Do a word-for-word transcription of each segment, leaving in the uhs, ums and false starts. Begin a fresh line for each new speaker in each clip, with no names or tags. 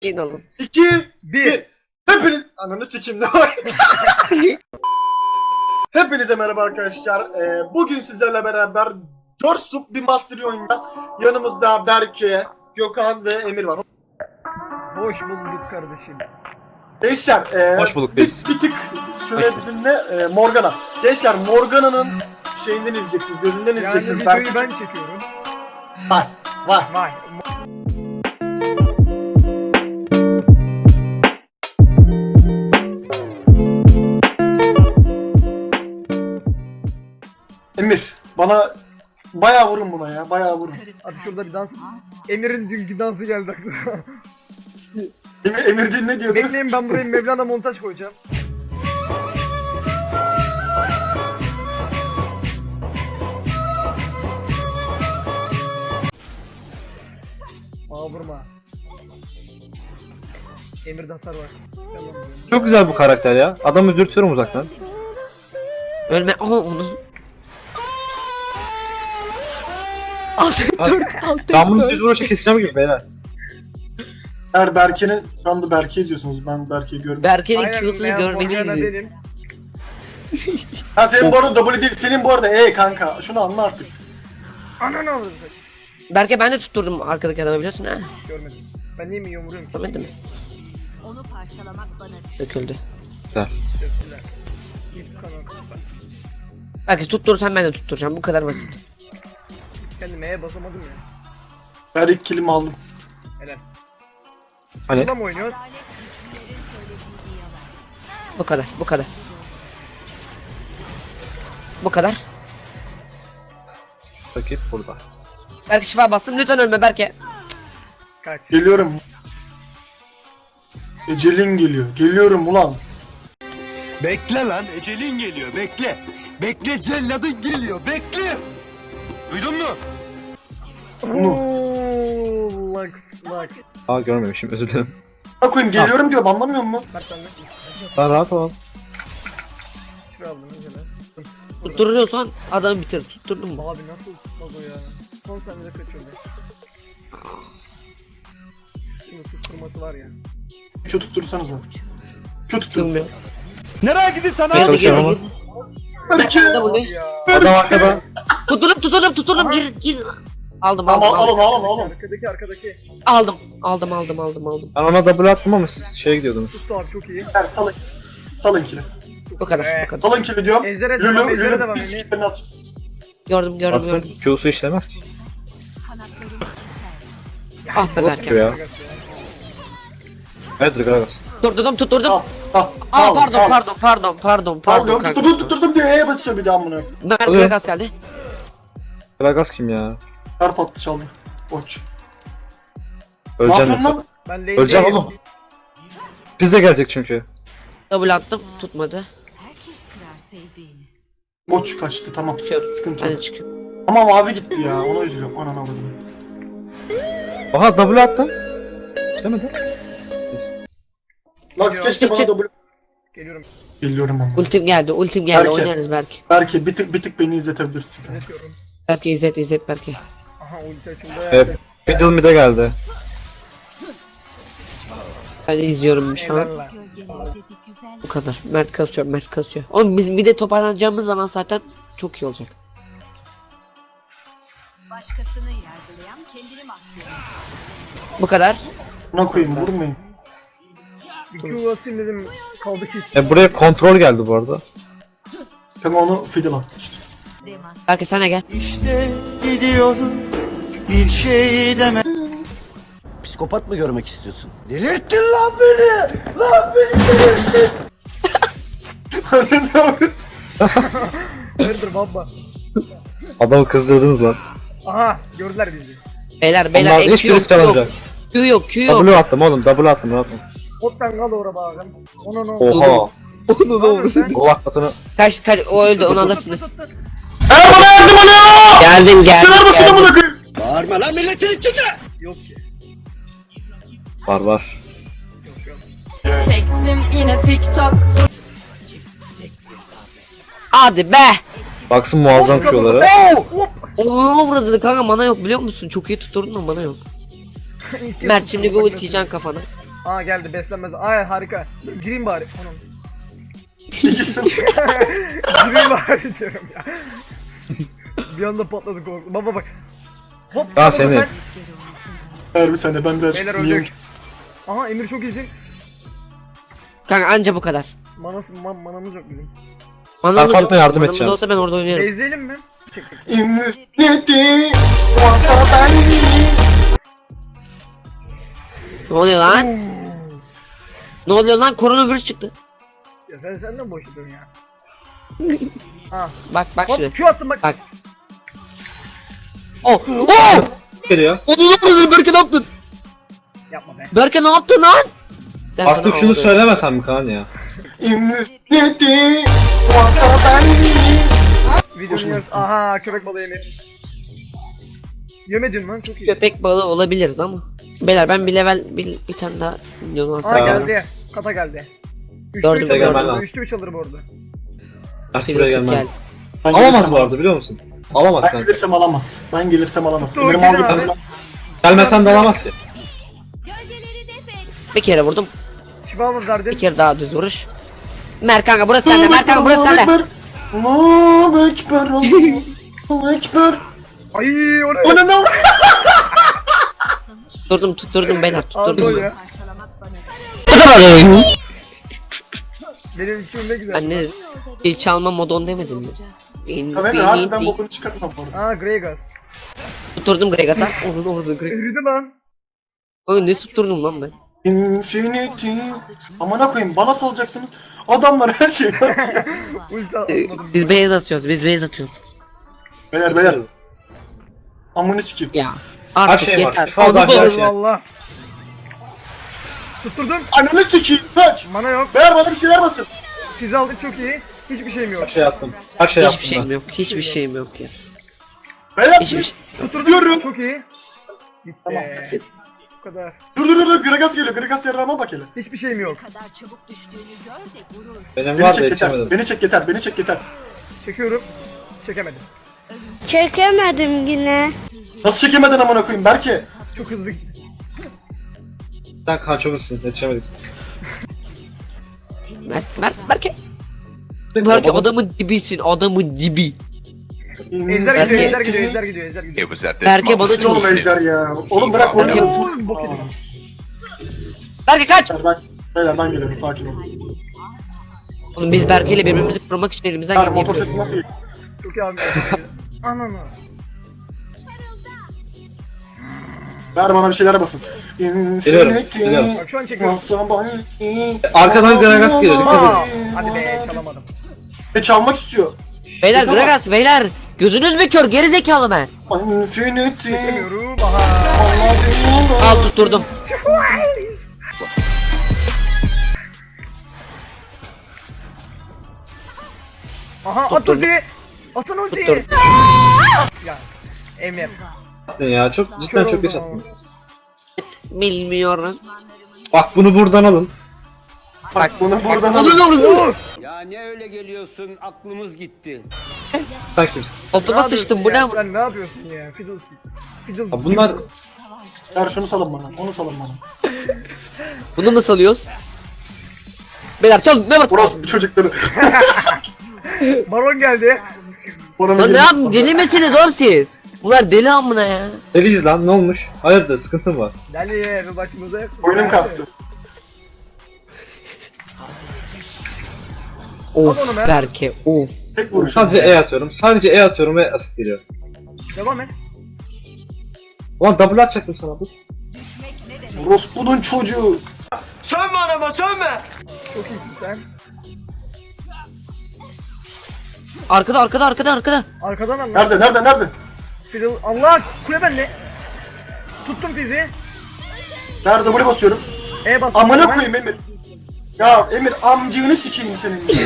İn oğlum.
iki,
Bir.
bir. Hepiniz... Ananı sikeyim de var. Hepinize merhaba arkadaşlar. Ee, bugün sizlerle beraber dört sub bir Mastery oynayacağız. Yanımızda Berke, Gökhan ve Emir var.
Hoş bulduk kardeşim.
Gençler, e,
Hoş bulduk
bir,
biz.
bir tık şöyle bizimle e, Morgana. Gençler, Morgana'nın şeyinden izleyeceksiniz, gözünden
Yani
izleyeceksiniz.
videoyu
Berke
ben çekiyorum.
var, var.
Vay.
Emir, bana bayağı vurun buna ya, bayağı vurun.
Abi şurada bir dans. Emir'in dünkü dansı geldi aklıma.
Emir, Emir din ne diyordu?
Bekleyin, ben buraya Mevlana montaj koyacağım. Aa vurma. Emir'de hasar var. Tamam.
Çok güzel bu karakter ya. Adamı dürtüyorum uzaktan.
Ölme. Aha onu. Altı dur. Altı
Ben bunu
dur.
düz vuruşa keseceğim gibi beyler.
Eğer Berke'nin, şu anda Berke izliyorsunuz, ben Berke'yi görmüyorum.
Berke'nin
Aynen,
Q'sunu
ben
görmeni
Morgana
izliyorsun.
benim.
Ha senin bu arada W değil, senin bu arada E kanka, şunu anla artık.
Ananı avradım.
Berke ben de tutturdum arkadaki adamı biliyorsun ha.
Görmedim. Ben niye mi yumuruyorum ki?
Görmedin mi?
Onu parçalamak bana düşer.
Döküldü.
Teşekkürler. İlk kanal.
Berke tutturursan ben de tutturacağım. Bu kadar basit.
Kendime E'ye basamadım ya.
Ben ilk kilimi aldım.
Helal.
Hani
Bunda mı oynuyoruz?
Adalet güçlülerin söylediği yalan.
Bu kadar. Bu kadar. Bu kadar.
rakip burada.
Berke şifa bastım. Lütfen ölme Berke.
Kaç.
Geliyorum. Ecelin geliyor. Geliyorum ulan.
Bekle lan, ecelin geliyor, bekle. Bekle, celladın geliyor, bekle. Duydun mu?
Bunu.
Ooo, Lux, Lux.
Aa görmemişim, özür dilerim.
Ne koyayım, geliyorum diyor, anlamıyor musun?
Mert sen ne?
Sen rahat ol.
Şuraya aldım önce ben.
Tutturuyorsan adamı bitir. Tutturdun mu?
Abi nasıl tutmaz o ya? Son saniyede kaçırdı. Şunu tutturması var ya.
Kötü tuttursanız var. Kötü tuttursanız.
Bilmiyorum.
Nereye gidiyorsun
Girdi girdi
Çalışıyorum
girdi.
Berke.
Berke
Abi
W.
ya.
Adam arkada.
Tutturup tutturup tutturup gir gir. Aldım
Tamam
aldım aldım.
alın alın alın.
Arkadaki arkadaki.
Aldım aldım aldım aldım aldım.
Ben ona double attım ama siz şeye gidiyordunuz.
Tuttu abi çok iyi.
Ver salın. Salın kili.
Bu kadar bu kadar.
Salın kili diyorum.
Ejder'e
Lülü
devam, Ejder'e
Lülü
devam
bir
Emir.
siklerini at.
Gördüm gördüm
Attım,
gördüm.
Q'su işlemez ki.
Kanatlarım keser.
Ah be Berke.
Ya. Evet Gragas.
Tutturdum tutturdum.
Al al.
Aa
Sağ ol,
pardon
sağ ol.
pardon pardon pardon
Al
pardon
diyorum,
kanka.
tutturdum tutturdum diyor, E'ye basıyor bir daha bunu.
Mert
Oluyor.
Vegas geldi.
Gragas kim ya?
Her patlı çaldı. Koç. Ne
Öleceğim
yapıyorsun
yoksa.
lan?
Ben lane'deyim.
Öleceğim oğlum. Biz de gelecek çünkü.
Double attım tutmadı.
Herkes kırar sevdiğini.
Koç kaçtı, tamam.
Çıkıyorum.
Sıkıntı
Ben
yok.
de çıkıyorum.
Ama mavi gitti ya, ona üzülüyorum. Ananı avradım.
Aha double attım. İşlemedi.
Lux keşke bana
Çık,
da bu...
Geliyorum.
Geliyorum ama.
Ultim geldi ultim geldi
Berke.
oynarız Berke.
Belki bir tık bir tık beni izletebilirsin kanka.
Yönetiyorum.
Berke izlet izlet Berke.
Aha ulti açıldı.
Evet. Middle mid'e geldi.
Ben de izliyorum şu an.
Eyvallah.
Gölgelerindeki güzel
Bu kadar. Mert kasıyor Mert kasıyor. Oğlum biz bir de toparlanacağımız zaman zaten çok iyi olacak.
başkasını yargılayan kendini mahvediyor.
Bu kadar.
Buna koyayım, vurmayın.
Bir Q atayım dedim. Kaldı ki.
E buraya kontrol geldi bu arada.
Kanka onu fiddle at işte.
Demas.
Berke sen de gel.
İşte gidiyorum bir şey deme. Psikopat mı görmek istiyorsun? Delirttin lan beni! Lan beni delirttin!
Ananı avradım.
Hayırdır baba.
Adamı kızdırdınız lan.
Aha gördüler bizi.
Beyler beyler
Onlar
en Q
hiç
yok
risk
Q yok.
alamayacak.
Q yok Q yok.
Double attım oğlum, double attım rahat ol.
Hop sen kal oraya bakın. Onu ne
Oha.
Onu ne olursun.
Gol atmasını.
Kaç kaç o öldü onu alırsınız.
Eğer bana yardım oluyor!
Geldim geldim.
Sever misin
geldim.
amına koyayım?
Bağırma lan milletin içinde!
Yok ki.
Var var.
Yok yok.
Çektim yine TikTok.
Hadi be.
Baksın muazzam Q'ları.
Onu vurdu kanka mana yok biliyor musun? Çok iyi tutturdun da mana yok. Mert şimdi bir ulti yiyeceksin kafana.
Aa geldi beslenmez. Ay harika. Gireyim bari. Anam. Gireyim bari diyorum ya. Bir anda patladı korku. Baba bak. Hop.
Ya
baba
seni.
sen-
Eğer bir sene ben biraz
Beyler
niye-
öldük. Aha Emir çok iyisin.
Kanka anca bu kadar.
Manas, man, manamız yok bizim.
Manamız
Arkamda
yok.
yardım
Manamız
edeceğim.
olsa ben orada oynarım.
Bezleyelim mi? Çek çek.
Infinity olsa ben
Ne oluyor lan? Ne oluyor lan? Koronavirüs çıktı.
Ya sen senden boş yapıyorsun ya. Ha.
Bak bak şuraya.
Hop Q attım bak.
Bak. Oh! Oh!
Geliyor.
O ne yaptın? Berke ne yaptın?
Yapma be.
Berke ne yaptın lan? Ben
Artık
sana
şunu
aldım.
söylemesen mi Kaan ya?
Infinity olsa ben
Videonun yarısı. Aha köpek balığı Emir. Yemedin lan çok iyi.
Köpek balığı olabiliriz ama. Beyler ben bir level bir, bir tane daha milyon
Aa
alsam.
geldi. Kata geldi. Üçlü
Gördüm,
üç alır
gördüm.
bu arada. Üçlü üç alır bu arada.
Artık buraya
Tigres'lik
gelmem.
gel.
Ben
Alamaz
gelirsem
bu arada biliyor musun? Alamaz
Ben
kanka.
gelirsem alamaz. Ben gelirsem alamaz.
Dur,
Benim
gel
aldığı
abi.
kadar.
Gelmesen de alamaz ki.
Bir kere vurdum.
Şifa mı verdin?
Bir kere daha düz vuruş. Mer kanka burası sende. Mer kanka burası sende.
Allahu Ekber. Allahu Ekber.
Ay o ne?
O ne ne?
Tutturdum tutturdum beyler
Al
tutturdum.
gol
ben.
ya. Benim içim ne güzel.
Ben ne dedim? Bir çalma modon demedim mi? Ben,
Ben
ben-
harbiden
ben-
bokunu çıkartmam bu arada.
Aa Gregas.
Tutturdum Gregas'a. Orada orada Gregas.
Eridi lan.
Oğlum ne tutturdum lan ben?
Infinity. Amına koyayım bana salacaksınız. Adamlar her şeyi atıyor.
Ulti
Ee,
atmadım.
Biz beyaz atıyoruz biz beyaz atıyoruz.
Beyler beyler. Amını sikeyim.
Ya artık
şey var,
yeter.
bir fazla
Onu
aşağı
bul.
şey.
Allah. Tutturdum.
Ananı sikeyim. Kaç.
Mana yok.
Beyler bana bir şeyler basın.
Siz aldık çok iyi. Hiçbir şeyim yok.
Her şey yaptım. Her şey yaptım
Hiçbir şeyim
ben.
yok. Hiçbir şeyim yok ya.
Beyler
Hiçbir şey.
Tutturdum.
Diyorum.
Çok iyi. Gitti.
Tamam.
Bu kadar.
dur dur dur dur. Gregas geliyor. Gregas yarrağıma bak hele.
Hiçbir şeyim yok.
kadar çabuk düştüğünü gör de gurur.
Benim
Beni
var da
çek yeter.
yetişemedim.
Beni çek yeter. Beni çek yeter.
Çekiyorum. Çekemedim.
Çekemedim yine.
Nasıl çekemeden amına koyayım Berke?
Çok hızlı gitti.
Sen Kaan çok hızlısın yetişemedik.
Mert, Mert, Berke. Berke adamın dibisin. Adamın dibi.
Ejder gidiyor,
Berke-
ejder gidiyor, ejder gidiyor, ejder gidiyor.
Berke bana
Nasıl oğlum
çalışıyor.
ejder ya? Oğlum bırak
Berke-
oynasın.
Bok yedim.
Berke kaç.
Beyler ben, beyler ben gelirim sakin ol.
Oğlum biz Berke ile birbirimizi korumak için elimizden
Yani
geleni
motor
yapıyoruz.
sesi nasıl geliyor?
Çok iyi abi. Ananı.
Ver bana bir şeyler basın.
Biliyorum,
Infinity.
biliyorum.
Bak şu an çekiyorum.
Arkadan Gragas geliyor, dikkat
Aa,
edin.
hadi be çalamadım.
E çalmak istiyor.
Beyler
Tamam.
Gragas beyler. Gözünüz mü kör? Geri zekalı ben.
Infinity.
Çekemiyorum. Aha.
Al tutturdum.
Aha at
Tutturdum.
ultiyi. Atın ultiyi.
Tutturdum.
Ya. Emir.
Ya çok cidden
Kör
çok
oldum
geç
ama.
attın.
Bilmiyorum.
Bak bunu buradan alın.
Bak bunu buradan
Alın
alın.
alın.
Ya ne öyle geliyorsun? Aklımız gitti.
Sen kimsin?
Altıma sıçtım bu ne?
ya? Sen ne yapıyorsun ya? Fiddlestick. Fiddlestick.
Ha, bunlar
Ver şunu salın bana. Onu salın bana.
Bunu mu salıyoruz? Beyler çal ne bak.
Burası bu çocukları.
Baron geldi.
Bana
Lan ne yapayım deli misiniz oğlum siz? Bunlar deli amına ya.
deliyiz lan ne olmuş? Hayırdır sıkıntı mı var?
Deli bir başımıza yakın.
Oyunum kastı.
Of
onu be.
Berke of.
Tek vuruş.
Sadece E atıyorum. Sadece E atıyorum ve asit geliyor.
Devam et.
Ulan double atacaktım sana dur.
Rospu'nun çocuğu.
Sönme anama sönme.
Çok iyisin sen.
Arkada arkada arkada arkada.
Arkadan al lan.
Nerede nerede nerede?
Fiddle. Allah kule bende. Tuttum fizi.
Nerede buraya basıyorum.
E bas.
Amına koyayım Emir. Ya Emir amcığını sikeyim senin ya.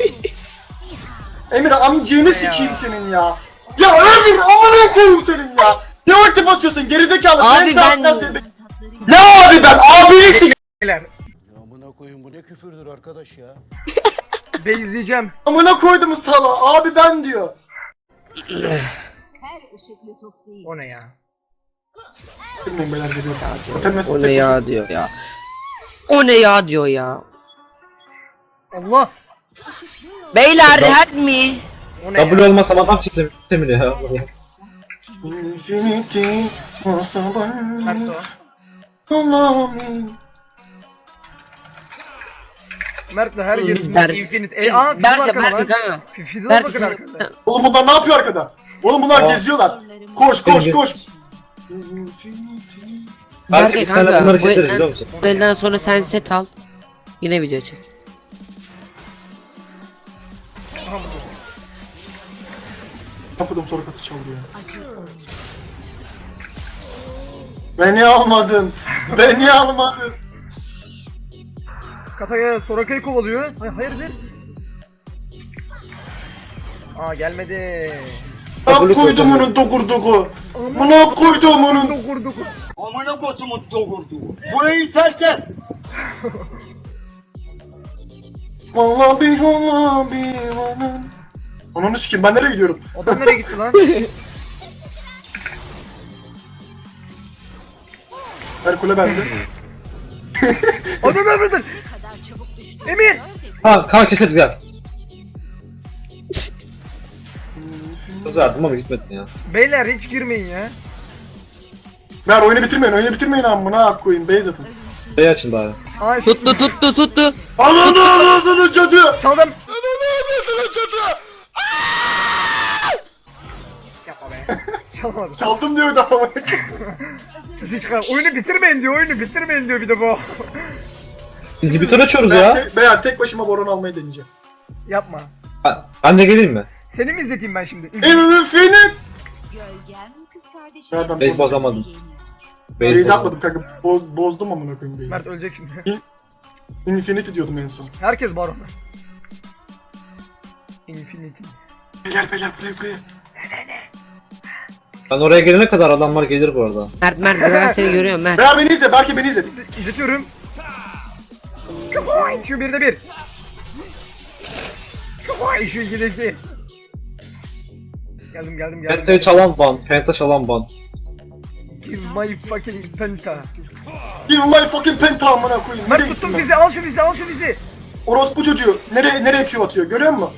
Emir amcığını sikeyim senin ya. Ya Emir amına koyayım senin ya. Ne vakti basıyorsun gerizekalı.
Abi
Ben
ben-
de- Ne abi ben abini sikeyim.
Beyler.
Amına koyun bu ne küfürdür arkadaş ya.
Beyzleyeceğim.
Amına koydum sala abi ben diyor.
Her ışık lütuf değil.
O ne ya?
Bilmiyorum beyler geliyor. Otelmesi
O ne ya diyor ya. O ne ya diyor ya.
Allah.
Beyler help me.
O ne ya?
W olmasam adam çizemiyor ya.
Infinity.
Mert o.
Allah'ım.
Mert'le her
Biz
yerimiz
Berk-
infinite. E, aa Fiddle
Berke
arkada
Berke
lan.
kanka.
Fiddle'a
Berke
bakın arkada.
kanka.
Oğlum bunlar ne yapıyor arkada? Oğlum bunlar
Aa.
geziyorlar. Koş koş
Gelin,
koş.
Belki
Berke
bir tane
kanka.
bunları
Bu
getiririz biliyor
elden,
musun?
bu elden sonra sen set al. Yine video çek.
Kapıdım sorkası çaldı ya. Beni almadın. Beni almadın.
Kataya Soraka'yı kovalıyor. Hayır, hayırdır? Aa gelmedi.
Bak koydum onun dokurduğu. Buna koydum onun.
Dokur dokur.
Amına kodumu doğurdu. Burayı terk et.
Vallahi bir vallahi bir vallahi. Ananı sikeyim ben nereye gidiyorum?
Adam nereye gitti lan?
Herkule bende.
Adam nerede?
kadar çabuk düştüğünü
Emir!
gör de
Ha kan keseriz gel. Kız verdim ama gitmedin ya.
Beyler hiç girmeyin ya.
Ver oyunu bitirmeyin oyunu bitirmeyin amına koyayım base atın.
Şey açın bari.
Aa şu
Tuttu tuttu tuttu.
Ananı ağzını cadı.
çaldım. Yapma be. Çalamadım.
Çaldım diyordu ama.
Sesi çıkar. Oyunu bitirmeyin diyor. Oyunu bitirmeyin diyor bir de bu.
İnhibitör açıyoruz
Ben,
ya.
te- beyler tek başıma boron almayı deneyeceğim.
Yapma.
Ben, ben de geleyim mi?
Seni mi izleteyim ben şimdi?
Infinite.
gölgem kız kardeşim.
Ver ben
Base
boz-
bozamadım.
Base
Base
atmadım kanka. Boz, bozdum amına koyayım base'i.
Mert ölecek şimdi.
Infinity diyordum en son.
Herkes baron. Infinity.
Beyler beyler buraya buraya.
Ben oraya gelene kadar adamlar gelir bu arada.
Mert Mert ben seni görüyorum Mert.
Beyler beni izle belki beni izle.
İzletiyorum. Kapoy! Şu birde bir. Kapoy! Şu ikide iki. Geldim geldim geldim.
Penta'yı çalan ban, Penta çalan ban.
Give my fucking penta.
Give my fucking penta amına koyayım.
Mert
Nereye
tuttum
gittim ben?
bizi, al şu bizi, al şu bizi.
Orospu çocuğu. Nereye nereye Q atıyor görüyor musun?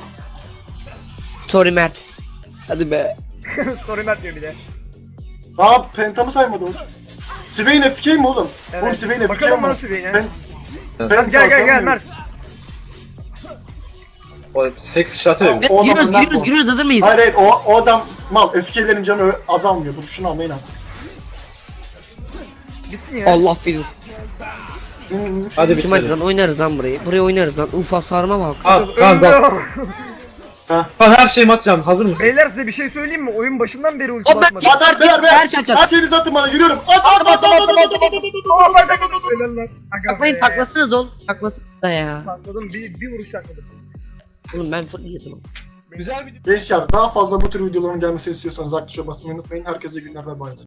Sorry Mert. Hadi be.
Sorry Mert diyor bir de.
Aa pentamı saymadı o. Swain F K mi oğlum? Oğlum Swain F K
Bakalım
mi?
bana Swain'e.
Ben...
Evet.
Ben
Gel gel gel
kalkamıyorum.
Mert.
O Hex işareti
Tamam.
mi?
O adam
Giriyoruz
önden
giriyoruz
bu.
giriyoruz hazır mıyız?
Hayır hayır o, o adam mal F K'lerin canı azalmıyor. Dur şunu anlayın abi.
Gitsin ya.
Allah filan.
Hadi
Kim hadi
bitirelim.
lan oynarız lan burayı. Burayı oynarız lan. Uf hasarıma bak.
Al, kan dal.
Öldüm.
Kan her şeyimi atacağım, hazır mısın?
Beyler size bir şey söyleyeyim mi? Oyun başından beri ulti
O ben-
basmadım.
At at beyler beyler.
Her çat çat.
Her şeyinizi atın bana yürüyorum. At at at at at at at at at at at at at.
Helal lan. Aga
Taklayın
be.
taklasınız ol. Taklasın da ya.
Takladım, bir, bir vuruş takladım.
Oğlum ben full yedim.
Güzel bir
Gençler daha fazla bu tür videoların gelmesini istiyorsanız like tuşuna basmayı unutmayın. Herkese iyi günler ve bay bay.